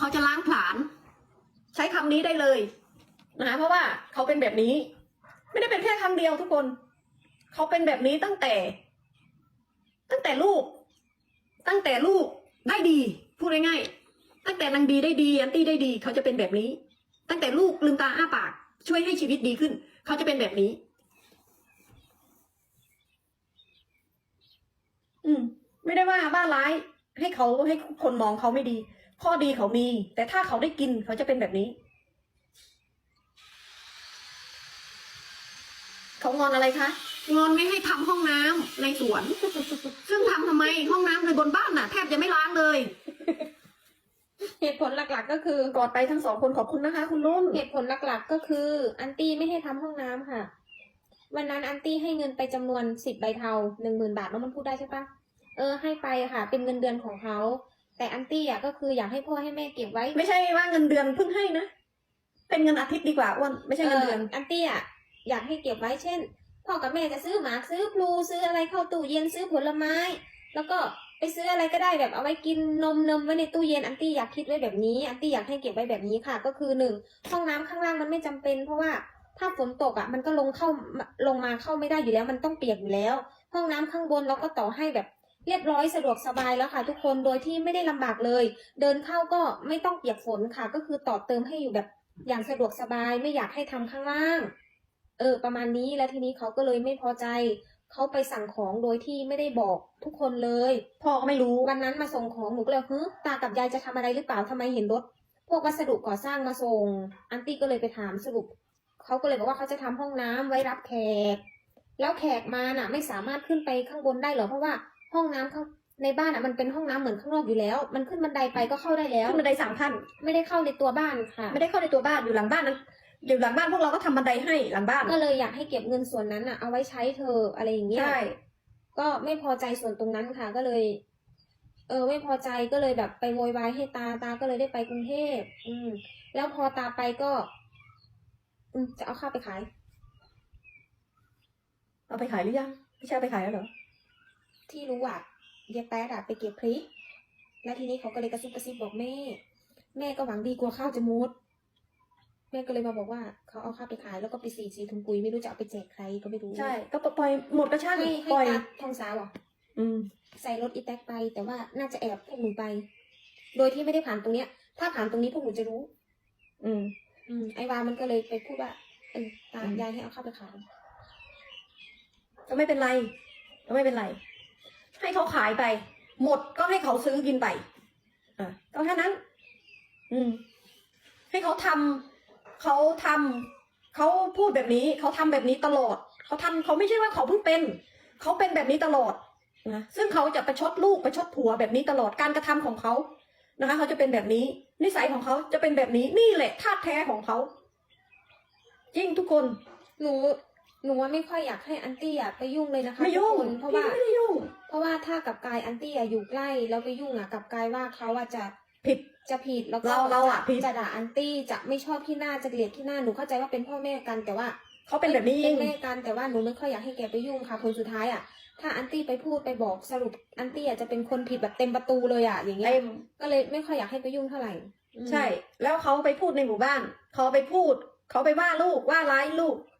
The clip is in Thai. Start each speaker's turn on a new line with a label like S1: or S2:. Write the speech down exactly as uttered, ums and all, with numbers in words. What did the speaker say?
S1: เขาจะล้างผลาญใช้คำนี้ได้เลยนะเพราะว่าเขาเป็นแบบนี้ ไม่ได้เป็นแค่ครั้งเดียวทุกคนเขาเป็นแบบนี้ตั้งแต่ ตั้งแต่ลูก ตั้งแต่ลูกได้ดีพูดง่ายๆตั้งแต่นางดีได้ดีอันตี้ได้ดีเขาจะเป็นแบบนี้ ตั้งแต่ลูกลืมตาอ้าปากช่วยให้ชีวิตดีขึ้นเขาจะเป็นแบบนี้ อืมไม่ได้ว่าบ้าร้ายให้เขาให้คนมองเขาไม่ดี ข้อดีเขามี แต่ถ้าเขาได้กินเขาจะเป็นแบบนี้ เขางอนอะไรคะงอนไม่ให้ทำห้องน้ำในสวน ซึ่งทำทำไมห้องน้ำในบนบ้านน่ะแทบจะไม่ล้างเลย
S2: เหตุผลหลักๆก็คือก
S1: อดไปทั้งสองคนขอบคุณนะคะ คุณนุ่น
S2: เหตุผลหลักๆก็คืออันตี้ไม่ให้ทำห้องน้ำค่ะวันนั้นอันตี้ให้เงินไปจำนวนสิบใบเทาหนึ่งหมื่นบาทแล้วมันพูดได้ใช่ปะเออให้ไปค่ะ เป็นเงินเดือนของเขาแต่อันตี้อ่ะก็คืออยากให้พ่อให้แม่เก็บไว้
S1: ไม่ใช่ว่าเงินเดือนเพิ่งให้นะเป็นเงินอาทิตย์ดีกว่าอ้วนไม่ใช่เงินเดือน
S2: อันตี้อ่ะอยากให้เก็บไว้เช่นพ่อกับแม่จะซื้อหมากซื้อพลูซื้ออะไรเข้าตู้เย็นซื้อผลไม้ แล้วก็ไปซื้ออะไรก็ได้แบบเอาไว้กินนมนมไว้ในตู้เย็นอันตี้อยากคิดไว้แบบนี้อันตี้อยากให้เก็บไว้แบบนี้ค่ะ ก็คือหนึ่งห้องน้ำข้างล่างมันไม่จำเป็น เพราะว่าถ้าฝนตกอ่ะมันก็ลงเข้าลงมาเข้าไม่ได้อยู่แล้วมันต้องเปียกอยู่แล้ว ห้องน้ำข้างบนเราก็ต่อให้แบบเรียบร้อยสะดวกสบายแล้วค่ะ ทุกคนโดยที่ไม่ได้ลำบากเลย เดินเข้าก็ไม่ต้องเปียกฝนค่ะ ก็คือต่อเติมให้อยู่แบบอย่างสะดวกสบายไม่อยากให้ทำข้างล่าง เออประมาณนี้แล้วทีนี้เขาก็เลยไม่พอใจเขาไปสั่งของโดยที่ไม่ได้บอกทุกคนเลย
S1: พ่อก็ไม่รู้
S2: วันนั้นมาส่งของหนูก็เลยฮึตากับยายจะทำอะไรหรือเปล่าทำไมเห็นรถพวกวัสดุก่อสร้างมาส่งอันตี้ก็เลยไปถามสรุปเขาก็เลยบอกว่าเขาจะทำห้องน้ำไว้รับแขกแล้วแขกมาน่ะ ไม่สามารถขึ้นไปข้างบนได้หรอเพราะว่าห้องน้ำข้างในบ้านอ่ะมันเป็นห้องน้ำเหมือนข้างนอกอยู่แล้ว มันขึ้นบันไดไปก็เข้าได้แล้ว
S1: ขึ้นบันไดสามขั้น
S2: ไม่ได้เข้าในตัวบ้านค่ะ
S1: ไม่ได้เข้าในตัวบ้านอยู่หลังบ้านนั้นอยู่หลังบ้านพวกเราก็ทำบันไดให้หลังบ้าน
S2: ก็เลยอยากให้เก็บเงินส่วนนั้นอ่ะเอาไว้ใช้เธออะไรอย่างเงี้ย
S1: ใช่
S2: ก็ไม่พอใจส่วนตรงนั้นค่ะ ก็เลย เออ ไม่พอใจก็เลยแบบไปโวยวายให้ตาตาก็เลยได้ไปกรุงเทพอืม แล้วพอตาไปก็ อืมจะเอาข้าวไปขาย
S1: เอาไปขายหรือยังพี่ชายไปขายแล้วเหรอ
S2: ที่รู้อ่ะยายแป๊ดอะไปเก็บพริกแล้วทีนี้เขาก็เลยกระซิบกระซิบบอกแม่ แม่ก็หวังดีกลัวข้าวจะมุดแม่ก็เลยมาบอกว่าเขาเอาข้าวไปขายแล้วก็ไปสีสีถุงปุ๋ยไม่รู้จะเอาไปแจกใครก็ไม่รู้
S1: ใช่ก็ปล่อยหมดก็ช่าง
S2: ให้ให้
S1: ปล่อย
S2: ตาทองสาวอ่ะ
S1: อืม
S2: ใส่รถอีแท็กไป แต่ว่าน่าจะแอบพวกหนูไป โดยที่ไม่ได้ผ่านตรงเนี้ย ถ้าผ่านตรงนี้พวกหนูจะรู้
S1: อืม
S2: อืมไอวามันก็เลยไปพูดว่าเออตา
S1: อืม
S2: ยายให้เอาข้าวไปขาย
S1: ก็ไม่เป็นไรก็ไม่เป็นไร ให้เขาขายไป หมดก็ให้เขาซื้อกินไปอ่ะก็แค่นั้น อืม ให้เขาทำเขาทำเขาพูดแบบนี้เขาทำแบบนี้ตลอดเขาทำเขาไม่ใช่ว่าเขาเพิ่งเป็นเขาเป็นแบบนี้ตลอดนะซึ่งเขาจะประชดลูกประชดผัวแบบนี้ตลอดการกระทำของเขานะคะเขาจะเป็นแบบนี้ นิสัยของเขาจะเป็นแบบนี้นี่แหละธาตุแท้ของเขาจริงทุกคน
S2: หนู หนูว่าไม่ค่อยอยากให้อันตี้อะไปยุ่งเลยนะคะ
S1: ไม่ยุ่ง
S2: ทุกคนเพราะว่า
S1: พี่ไม่ได้ยุ่ง
S2: เพราะว่าถ้ากับกายอันตี้อะอยู่ใกล้แล้วไปยุ่งอะกับกายว่าเขาอะจะ
S1: ผิด
S2: จะผิดแล้วก็
S1: เราเราอะ
S2: จ
S1: ผิด
S2: จะด่าอันตี้จะไม่ชอบที่หน้าจะเกลียดที่หน้าหนูเข้าใจว่าเป็นพ่อแม่กันแต่ว่า
S1: เขาเป็นแบบนี้เอ
S2: เป็
S1: ง
S2: นแม่กันแต่ว่าหนูไม่ค่อยอยากให้แกไปยุ่งค่ะผลสุดท้ายอะถ้าอันตี้ไปพูดไปบอกสรุปอันตี้อะจะเป็นคนผิดแบบเต็มประตูเลยอะอย่างเงี้ย
S1: เต็ม
S2: ก็เลยไม่ค่อยอยากให้ไปยุ่งเท่าไหร่อืม
S1: ใช่ แล้วเขาไปพูดในหมู่บ้าน เขาไปพูด เขาไปว่าลูกว่าร้ายลูก